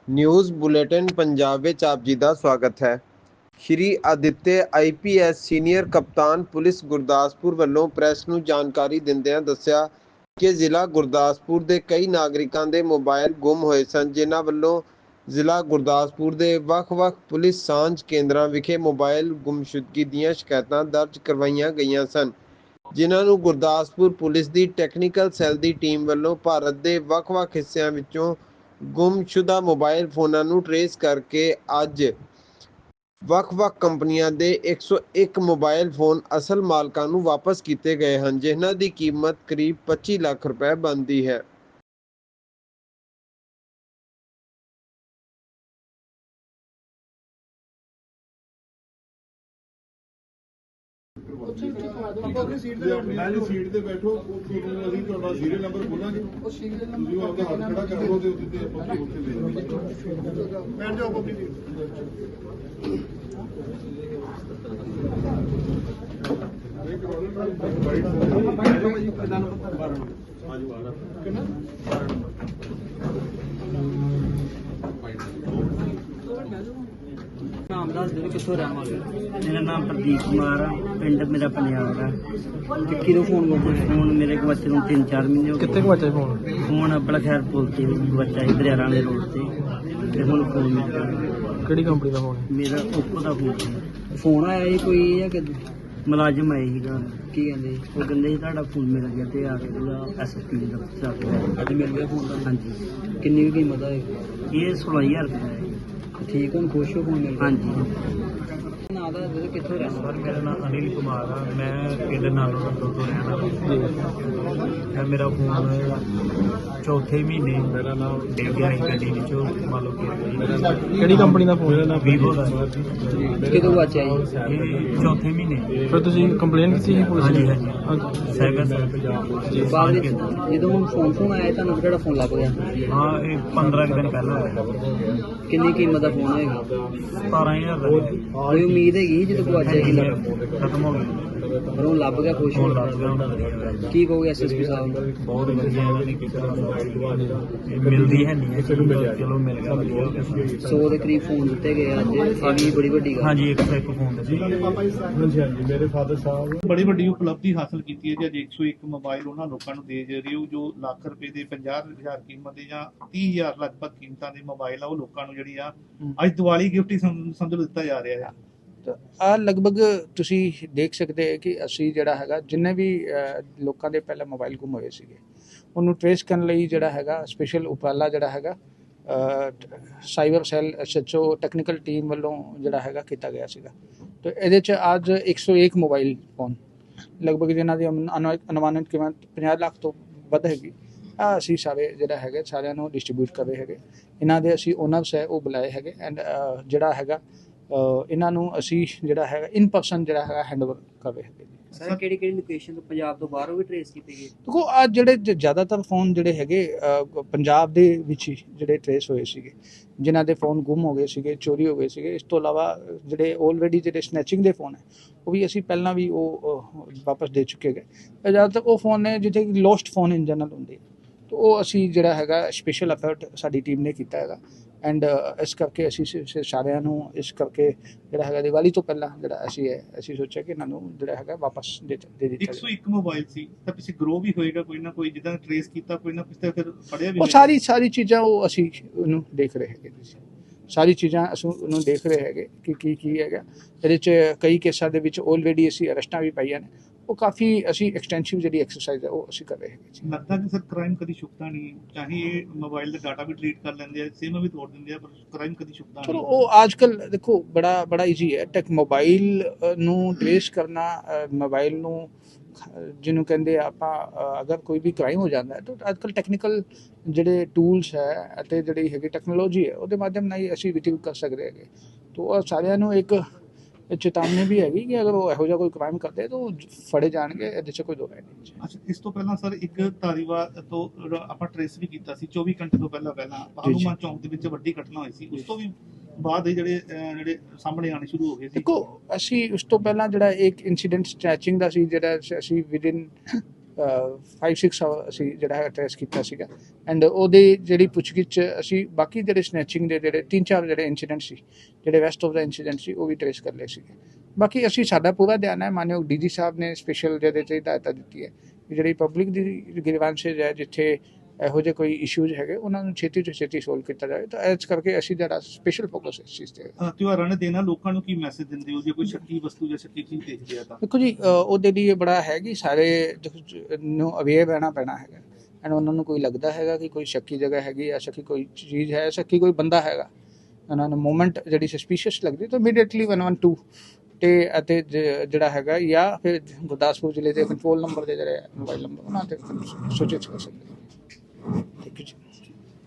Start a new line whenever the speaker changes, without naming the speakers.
News bulletin Punjab ਵਿੱਚ ਆਪ ਜੀ ਦਾ ਸਵਾਗਤ ਹੈ। ਸ਼੍ਰੀ ਆਦਿੱਤਿਆ IPS ਸੀਨੀਅਰ ਕਪਤਾਨ ਪੁਲਿਸ ਗੁਰਦਾਸਪੁਰ ਵੱਲੋਂ ਪ੍ਰੈਸ ਨੂੰ ਜਾਣਕਾਰੀ ਦਿੰਦਿਆਂ ਦੱਸਿਆ ਕਿ ਜ਼ਿਲ੍ਹਾ ਗੁਰਦਾਸਪੁਰ ਦੇ ਕਈ ਨਾਗਰਿਕਾਂ ਦੇ ਮੋਬਾਈਲ ਗੁੰਮ ਹੋਏ ਸਨ, ਜਿਨ੍ਹਾਂ ਵੱਲੋਂ ਜ਼ਿਲ੍ਹਾ ਗੁਰਦਾਸਪੁਰ ਦੇ ਵੱਖ-ਵੱਖ ਪੁਲਿਸ ਸਾਂਝ ਕੇਂਦਰਾਂ ਵਿਖੇ ਮੋਬਾਈਲ ਗੁੰਮਸ਼ੁਦਗੀ ਦੀਆਂ ਸ਼ਿਕਾਇਤਾਂ ਦਰਜ ਕਰਵਾਈਆਂ ਗਈਆਂ ਸਨ, ਜਿਨ੍ਹਾਂ ਨੂੰ ਗੁਰਦਾਸਪੁਰ ਪੁਲਿਸ ਦੀ ਟੈਕਨੀਕਲ ਸੈੱਲ ਦੀ ਟੀਮ ਵੱਲੋਂ ਭਾਰਤ ਦੇ ਵੱਖ-ਵੱਖ ਹਿੱਸਿਆਂ ਵਿੱਚੋਂ ਗੁੰਮਸ਼ੁਦਾ ਮੋਬਾਈਲ ਫੋਨਾਂ ਨੂੰ ਟਰੇਸ ਕਰਕੇ ਅੱਜ ਵੱਖ-ਵੱਖ ਕੰਪਨੀਆਂ ਦੇ 101 ਮੋਬਾਈਲ ਫੋਨ ਅਸਲ ਮਾਲਕਾਂ ਨੂੰ ਵਾਪਸ ਕੀਤੇ ਗਏ ਹਨ, ਜਿਨ੍ਹਾਂ ਦੀ ਕੀਮਤ ਕਰੀਬ 25 ਲੱਖ ਰੁਪਏ ਬਣਦੀ ਹੈ।
ਸੀਟ ਤੇ ਬੈਠੋ, ਤੁਹਾਨੂੰ ਅਸੀਂ ਤੁਹਾਡਾ ਸੀਰੀਅਲ ਨੰਬਰ ਬੋਲਾਂਗੇ, ਤੁਸੀਂ ਆਪਦਾ ਹੱਥ ਖੜਾ ਕਰੋ ਤੇ ਉੱਤੇ ਆਪਾਂ ਉੱਥੇ ਦੇ ਬੈਠ ਜਾਓ ਆਪਣੀ ਸੀਟ।
नाम दस दो कितों रहने वाले? मेरा नाम प्रदीप कुमार है, पिंड मेरा पंजाब है। किलो फोन फोन मेरे को बच्चे 3-4 महीने हो गए।
कितने बच्चे फोन
फोन अपना खैर बोलते बच्चा इधर राणे रोड से फोन फोन मिलता
ਕਿਹੜੀ ਕੰਪਨੀ ਦਾ ਫੋਨ
मेरा ओप्पो का फोन आया ही कोई या कि मुलाजिम आए ही की कहते वो कहते ही ਤੁਹਾਡਾ फोन मिल गया ਤੇ ਆ ਕੇ ਉਹਦਾ SSP ਦਾ ਚਾਰਜ ਅੱਜ ਮਿਲ ਗਿਆ फोन ਦਾ। ਹਾਂਜੀ
ਕਿੰਨੀ ਕੀਮਤ ਹੈ
ਇਹ 16000 ਰੁਪਏ ਦਾ ਹੈ।
ਠੀਕ ਹੁਣ ਖੁਸ਼ ਹੋ ਫੋਨ ਮਿਲ ਗਿਆ?
ਹਾਂਜੀ
ਨਾ ਦਾ ਕਿੱਥੋਂ ਰਹਿਣਾ?
ਸਰ ਮੇਰਾ ਨਾਮ ਅਨਿਲ ਕੁਮਾਰ ਆ, ਮੈਂ ਪਿੰਡ ਨਾਲੋਂ ਤੋਂ ਰਹਿਣ ਵਾਲਾ। ਇਹ ਮੇਰਾ ਫੋਨ ਚੌਥੇ ਮਹੀਨੇ ਮੇਰਾ ਨਾਮ ਡਿੱਗ ਗਿਆ ਸੀ ਗੱਡੀ ਵਿੱਚੋਂ, ਮੰਨ ਲਓ ਕਿ
ਕਿਹੜੀ ਕੰਪਨੀ ਦਾ ਫੋਨ?
ਮੇਰਾ ਨਾਮ ਵੀਵੋ ਦਾ
ਕਿਦੋਂ ਬਚਿਆ ਜੀ?
ਇਹ ਚੌਥੇ ਮਹੀਨੇ।
ਫਿਰ ਤੁਸੀਂ ਕੰਪਲੇਂਟ ਕੀਤੀ ਸੀ ਪੁਲਿਸ
ਹਾਂਜੀ
ਨੂੰ?
ਹਾਂਜੀ ਸਾਈਬਰ ਸੈੱਲ ਪੰਜਾਬ
ਬਾਅਦ ਵਿੱਚ ਜਦੋਂ ਹੁਣ ਫੋਨ ਆਇਆ ਤੁਹਾਨੂੰ ਕਿਹੜਾ ਫੋਨ ਲੱਗ ਗਿਆ?
ਹਾਂ ਇਹ 15 ਦਿਨ ਪਹਿਲਾਂ ਹੋਇਆ।
ਕਿੰਨੀ ਕੀਮਤ ਦਾ ਫੋਨ ਹੋਏਗਾ?
17000 ਦਾ
ਕੋਈ ਉਮੀਦ ਹੈਗੀ ਜਦੋਂ ਗਵਾਚਿਆ ਕਿ
ਖਤਮ ਹੋ ਗਿਆ।
ਪਰ ਉਹ ਲੱਭ ਗਿਆ? ਖੁਸ਼
ਫੋਨ
ਹੋ
ਲੱਗ ਗਿਆ ਹੁਣ।
ਕੀ ਕਹੋਗੇ SSP ਸਾਹਿਬ ਨੂੰ?
ਬਹੁਤ ਵਧੀਆ ਇਹਨਾਂ ਨੇ ਕੀਤਾ। ਇਹ ਮਿਲਦੀ ਹੈ ਨਹੀਂ, ਚਲੋ ਮਿਲ ਗਿਆ ਵਧੀਆ ਹੋ ਗਿਆ।
100 ਦੇ ਕਰੀਬ ਫੋਨ ਦਿੱਤੇ ਗਏ ਅੱਜ, ਇਹ ਵੀ ਬੜੀ ਵੱਡੀ ਗੱਲ।
ਹਾਂਜੀ ਇੱਕ ਫੋਨ ਦੇ
ਹਾਂਜੀ ਹਾਂਜੀ, ਮੇਰੇ ਫਾਦਰ ਸਾਹਿਬ
ਬੜੀ ਵੱਡੀ ਉਪਲਬਧੀ ਹਾਸਲ ਕੀਤੀ ਹੈ ਜੀ। ਅੱਜ 101 ਮੋਬਾਈਲ ਉਹਨਾਂ ਲੋਕਾਂ ਨੂੰ ਦੇ ਰਹੇ ਹੋ ਜੋ ਲੱਖ ਰੁਪਏ ਦੇ 50,000 ਕੀਮਤ ਦੇ ਜਾਂ 30,000 ਲਗਭਗ ਕੀਮਤਾਂ ਦੇ ਮੋਬਾਈਲ ਆ, ਉਹ ਲੋਕਾਂ ਨੂੰ ਜਿਹੜੀ ਆ ਅੱਜ ਦੀਵਾਲੀ ਗਿਫਟ ਹੀ ਸਮਝ ਲਓ ਦਿੱਤਾ ਜਾ ਰਿਹਾ ਹੈ।
ਆ ਲਗਭਗ ਤੁਸੀਂ ਦੇਖ ਸਕਦੇ ਹੋ ਕਿ ਅਸੀਂ ਜਿਹੜਾ ਹੈਗਾ ਜਿੰਨੇ ਵੀ ਲੋਕਾਂ ਦੇ ਪਹਿਲਾਂ ਮੋਬਾਈਲ ਗੁੰਮ ਹੋਏ ਸੀਗੇ ਉਹਨੂੰ ਟ੍ਰੇਸ ਕਰਨ ਲਈ ਜਿਹੜਾ ਹੈਗਾ ਸਪੈਸ਼ਲ ਉਪਰਾਲਾ ਜਿਹੜਾ ਹੈਗਾ cyber cell SHO technical team ਵੱਲੋਂ ਜਿਹੜਾ ਹੈਗਾ ਕੀਤਾ ਗਿਆ ਸੀਗਾ। ਤੇ ਇਹਦੇ 'ਚ ਅੱਜ 101 ਮੋਬਾਈਲ ਫੋਨ ਲਗਭਗ ਜਿਨ੍ਹਾਂ ਦੀ ਅਨੁਮਾਨਿਤ ਕੀਮਤ 50 ਲੱਖ ਤੋਂ ਵੱਧ ਹੈਗੀ ਆ ਅਸੀਂ ਸਾਰੇ ਜਿਹੜਾ ਹੈਗਾ ਸਾਰਿਆਂ ਨੂੰ ਡਿਸਟ੍ਰੀਬਿਊਟ ਕਰ ਰਹੇ ਹੈਗੇ। ਇਹਨਾਂ ਦੇ ਅਸੀਂ ਓਨਰਸ ਹੈ ਉਹ ਬੁਲਾਏ ਹੈਗੇ ਐਂਡ ਜਿਹੜਾ ਹੈਗਾ ਇਹਨਾਂ ਨੂੰ ਅਸੀਂ ਜਿਹੜਾ ਹੈਗਾ ਇਨ ਪਰਸਨ ਜਿਹੜਾ ਹੈਗਾ ਹੈਂਡਓਵਰ ਕਰ ਰਹੇ ਹੈਗੇ।
ਸਰ ਕਿਹੜੀ ਲੋਕੇਸ਼ਨ ਤੋਂ ਪੰਜਾਬ ਤੋਂ ਬਾਹਰੋਂ ਵੀ ਟ੍ਰੇਸ ਕੀਤੇ ਗਏ?
ਦੇਖੋ ਆ ਜਿਹੜੇ ਜ਼ਿਆਦਾਤਰ ਫੋਨ ਜਿਹੜੇ ਹੈਗੇ ਪੰਜਾਬ ਦੇ ਵਿੱਚ ਹੀ ਜਿਹੜੇ ਟ੍ਰੇਸ ਹੋਏ ਸੀਗੇ, ਜਿਨ੍ਹਾਂ ਦੇ ਫੋਨ ਗੁੰਮ ਹੋ ਗਏ ਸੀਗੇ, ਚੋਰੀ ਹੋ ਗਏ ਸੀਗੇ। ਇਸ ਤੋਂ ਇਲਾਵਾ ਜਿਹੜੇ ਆਲਰੇਡੀ ਜਿਹੜੇ ਸਨੈਚਿੰਗ ਦੇ ਫੋਨ ਹੈ ਉਹ ਵੀ ਅਸੀਂ ਪਹਿਲਾਂ ਵੀ ਉਹ ਵਾਪਸ ਦੇ ਚੁੱਕੇ ਗਏ। ਜ਼ਿਆਦਾਤਰ ਉਹ ਫੋਨ ਨੇ ਜਿੱਥੇ ਲੋਸਟ ਫੋਨ ਇਨ ਜਨਰਲ ਹੁੰਦੇ, ਤਾਂ ਉਹ ਅਸੀਂ ਜਿਹੜਾ ਹੈਗਾ ਸਪੈਸ਼ਲ ਐਫਰਟ ਸਾਡੀ ਟੀਮ ਨੇ ਕੀਤਾ ਹੈਗਾ ਐਂਡ ਇਸ ਕਰਕੇ ਅਸੀਂ ਸਾਰਿਆਂ ਨੂੰ ਇਸ ਕਰਕੇ ਜਿਹੜਾ ਹੈਗਾ ਦੀਵਾਲੀ ਤੋਂ ਪਹਿਲਾਂ ਜਿਹੜਾ ਅਸੀਂ ਸੋਚਿਆ ਕਿ ਇਹਨਾਂ ਨੂੰ ਜਿਹੜਾ ਹੈਗਾ ਵਾਪਸ ਦੇ ਦਿੱਤਾ
101 ਮੋਬਾਈਲ ਸੀ ਤਾਂ ਪਿੱਛੇ ਗਰੋ ਵੀ ਹੋਏਗਾ ਕੋਈ ਨਾ ਕੋਈ, ਜਿੱਦਾਂ ਟ੍ਰੇਸ ਕੀਤਾ ਕੋਈ ਨਾ ਪਿੱਛੇ ਫਿਰ ਫੜਿਆ ਵੀ
ਉਹ ਸਾਰੀ ਚੀਜ਼ਾਂ ਉਹ ਅਸੀਂ ਉਹਨੂੰ ਦੇਖ ਰਹੇ ਹੈਗੇ। ਸਾਰੀ ਚੀਜ਼ਾਂ ਅਸੀਂ ਉਹਨੂੰ ਦੇਖ ਰਹੇ ਹੈਗੇ ਕਿ ਕੀ ਹੈਗਾ। ਇਹਦੇ 'ਚ ਕਈ ਕੇਸਾਂ ਦੇ ਵਿੱਚ ਆਲਰੇਡੀ ਅਸੀਂ ਅਰੈਸਟਾਂ ਵੀ ਪਾਈਆਂ ਨੇ। ਉਹ ਕਾਫੀ ਅਸੀਂ ਐਕਸਟੈਂਸਿਵ ਜਿਹੜੀ ਐਕਸਰਸਾਈਜ਼ ਹੈ ਉਹ ਅਸੀਂ ਕਰ ਰਹੇ ਹੈਗੇ।
ਲੱਗਦਾ ਕਿ ਸਰ ਕ੍ਰਾਈਮ ਕਦੀ ਛੁਪਦਾ ਨਹੀਂ, ਚਾਹੇ ਇਹ ਮੋਬਾਈਲ ਦਾ ਡਾਟਾ ਵੀ ਡਿਲੀਟ ਕਰ ਲੈਂਦੇ ਆ, ਸਿਮ ਵੀ ਤੋੜ ਦਿੰਦੇ ਆ, ਪਰ ਕ੍ਰਾਈਮ ਕਦੀ ਛੁਪਦਾ
ਚਲੋ
ਨਹੀਂ।
ਉਹ ਅੱਜ ਕੱਲ ਦੇਖੋ ਬੜਾ ਈਜ਼ੀ ਹੈ ਟੈਕ ਮੋਬਾਈਲ ਨੂੰ ਟ੍ਰੇਸ ਕਰਨਾ। ਮੋਬਾਈਲ ਨੂੰ ਜਿਹਨੂੰ ਕਹਿੰਦੇ ਆਪਾਂ ਅਗਰ ਕੋਈ ਵੀ ਕ੍ਰਾਈਮ ਹੋ ਜਾਂਦਾ ਹੈ ਤਾਂ ਅੱਜ ਕੱਲ ਟੈਕਨੀਕਲ ਜਿਹੜੇ ਟੂਲਸ ਹੈ ਅਤੇ ਜਿਹੜੀ ਹੈਗੀ ਟੈਕਨੋਲੋਜੀ ਹੈ ਉਹਦੇ ਮਾਧਿਅਮ ਨਾਲ ਹੀ ਅਸੀਂ ਰਿਟਰੀਵ ਕਰ ਸਕਦੇ ਹੈਗੇ। ਤਾਂ ਉਹ ਸਾਰਿਆਂ ਨੂੰ ਇੱਕ ਚੇਤਾਵਨੀ ਵੀ ਹੈਗੀ ਕਿ ਅਗਰ ਉਹ ਇਹੋ ਜਿਹਾ ਕੋਈ ਕ੍ਰਾਈਮ ਕਰਦੇ ਤਾਂ ਉਹ ਫੜੇ ਜਾਣਗੇ, ਇਹਦੇ 'ਚ ਕੋਈ ਦੋ ਰਾਏ ਨਹੀਂ।
ਅੱਛਾ, ਇਸ ਤੋਂ ਪਹਿਲਾਂ ਸਰ ਇੱਕ ਧਾਰੀਵਾਲ ਤੋਂ ਆਪਾਂ ਟ੍ਰੇਸ ਵੀ ਕੀਤਾ ਸੀ 24 ਘੰਟੇ ਤੋਂ ਪਹਿਲਾਂ ਹਨੂੰਮਾਨ ਚੌਂਕ ਦੇ ਵਿੱਚ ਵੱਡੀ ਘਟਨਾ ਹੋਈ ਸੀ। ਉਸ ਤੋਂ ਵੀ ਬਾਅਦ ਜਿਹੜੇ ਸਾਹਮਣੇ ਆਣੇ ਸ਼ੁਰੂ ਹੋ ਗਏ ਸੀ।
ਦੇਖੋ ਅਸੀਂ ਉਸ ਤੋਂ ਪਹਿਲਾਂ ਜਿਹੜਾ ਇੱਕ ਇਨਸੀਡੈਂਟ ਸਟ੍ਰੈਚਿੰਗ ਦਾ ਸੀ ਜਿਹੜਾ ਅਸੀਂ ਵਿਦਿਨ 5-6 ਅਸੀਂ ਜਿਹੜਾ ਹੈ ਟ੍ਰੇਸ ਕੀਤਾ ਸੀਗਾ ਐਂਡ ਉਹਦੀ ਜਿਹੜੀ ਪੁੱਛਗਿੱਛ ਅਸੀਂ ਬਾਕੀ ਜਿਹੜੇ ਸਨੈਚਿੰਗ ਦੇ ਜਿਹੜੇ 3-4 ਜਿਹੜੇ ਇੰਸੀਡੈਂਟ ਸੀ ਜਿਹੜੇ ਵੈਸਟ ਆਫ ਦਾ ਇੰਸੀਡੈਂਟ ਸੀ ਉਹ ਵੀ ਟ੍ਰੇਸ ਕਰ ਲਏ ਸੀਗੇ। ਬਾਕੀ ਅਸੀਂ ਸਾਡਾ ਪੂਰਾ ਧਿਆਨ ਹੈ, ਮਾਨਯੋਗ ਡੀਜੀ ਸਾਹਿਬ ਨੇ ਸਪੈਸ਼ਲ ਜਿਹਦੇ 'ਤੇ ਹਦਾਇਤਾਂ ਦਿੱਤੀ ਹੈ ਕਿ ਜਿਹੜੀ ਪਬਲਿਕ ਦੀ ਗ੍ਰੀਵਾਂਸੇਜ ਹੈ, ਜਿੱਥੇ ਇਹੋ ਜਿਹੇ ਕੋਈ ਇਸ਼ੂਜ਼ ਹੈਗੇ ਉਹਨਾਂ ਨੂੰ ਛੇਤੀ ਤੋਂ ਛੇਤੀ ਸੋਲਵ ਕੀਤਾ ਜਾਵੇ। ਤਾਂ ਇਸ ਕਰਕੇ ਅਸੀਂ ਜਿਹੜਾ ਸਪੈਸ਼ਲ ਫੋਕਸ ਇਸ ਚੀਜ਼ 'ਤੇ ਹੈ।
ਤਿਉਹਾਰਾਂ ਨੇ ਦੇਣਾ ਲੋਕਾਂ ਨੂੰ ਕੀ ਮੈਸੇਜ ਦਿੰਦੇ ਹੋ ਜੇ ਕੋਈ ਸ਼ੱਕੀ ਵਸਤੂ ਜਾਂ ਸ਼ੱਕੀ ਚੀਜ਼ ਦੇਖਦੇ ਆ ਤਾਂ?
ਦੇਖੋ ਜੀ, ਉਹਦੇ ਲਈ ਇਹ ਬੜਾ ਹੈ ਕਿ ਸਾਰੇ ਨੂੰ ਅਵੇਅਰ ਰਹਿਣਾ ਪੈਣਾ ਹੈਗਾ ਐਂਡ ਉਹਨਾਂ ਨੂੰ ਕੋਈ ਲੱਗਦਾ ਹੈਗਾ ਕਿ ਕੋਈ ਸ਼ੱਕੀ ਜਗ੍ਹਾ ਹੈਗੀ ਜਾਂ ਸ਼ੱਕੀ ਕੋਈ ਚੀਜ਼ ਹੈ, ਸ਼ੱਕੀ ਕੋਈ ਬੰਦਾ ਹੈਗਾ, ਉਹਨਾਂ ਨੂੰ ਮੂਵਮੈਂਟ ਜਿਹੜੀ ਸਸਪੀਸ਼ੀਅਸ ਲੱਗਦੀ ਤਾਂ ਇਮੀਡੀਏਟਲੀ 112 ਤੇ ਅਤੇ ਜਿਹੜਾ ਹੈਗਾ ਜਾਂ ਫਿਰ ਗੁਰਦਾਸਪੁਰ ਜ਼ਿਲ੍ਹੇ ਦੇ ਕੰਟਰੋਲ ਨੰਬਰ ਦੇ ਜਿਹੜੇ ਮੋਬਾਈਲ ਨੰਬਰ ਉਹਨਾਂ 'ਤੇ ਸੂਚਿਤ ਕਰ ਸਕਦੇ।